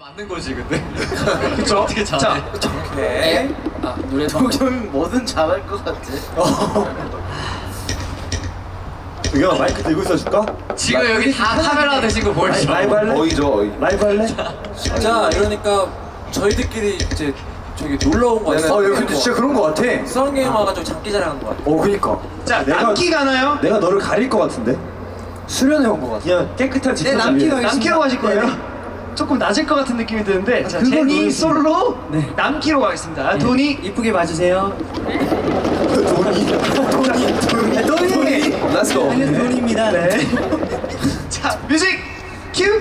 맞는 거지 근데. 그쵸? 어떻게 잘해? 오케이. 아 노래 동경은 뭐든 잘할 것 같아. 동경아 마이크 들고 있어줄까? 지금 여기 다 카메라 대신 거 보이죠? 라이브 할래? 어이죠 어이. 라이브 할래? 자, 이러니까 저희들끼리 이제 저기 놀러 온 거 같아요. 야 근데 진짜 그런 거 같아. 수학 게임 와가지고 장기자랑한 거 같아. 그니까. 자, 내가- 남기 가나요? 내가 너를 가릴 거 같은데. 수련해 온 거 같아. 그냥 깨끗한 집. 남기로 가실 거예요? 조금 낮을 것 같은 느낌이 드는데 제니 솔로 남기로 가겠습니다. 돈이 이쁘게 봐주세요. 돈이. Let's go. 돈입니다. 네. 자, 뮤직 큐.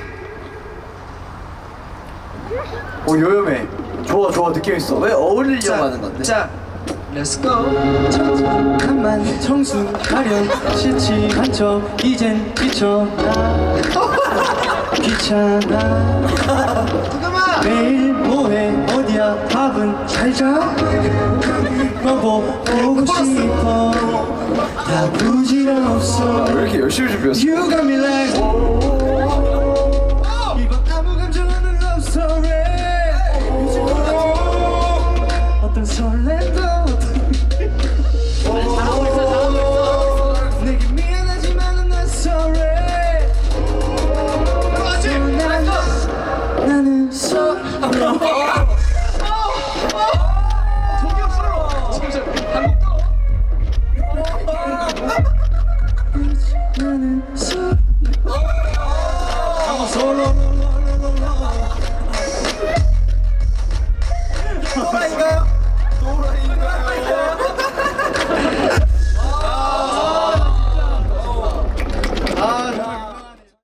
요염해. 좋아 느낌 있어. 왜 어울리려고 하는 건데? 자, 렛츠 고. 잠깐만 청순 가련 시치한 척 이젠 지쳐나 귀찮아 잠깐만. 매일 뭐해 어디야 밥은 잘자 너보 보고 싶어 다 부지런 없어 왜 이렇게 열심히 준비했어? You got me like 이건 아무 감정 없는 love story 어떤 설렘도 내게 미안하지만 I'm not sorry 나는 sorry 동경 솔로. 지금 나는 sorry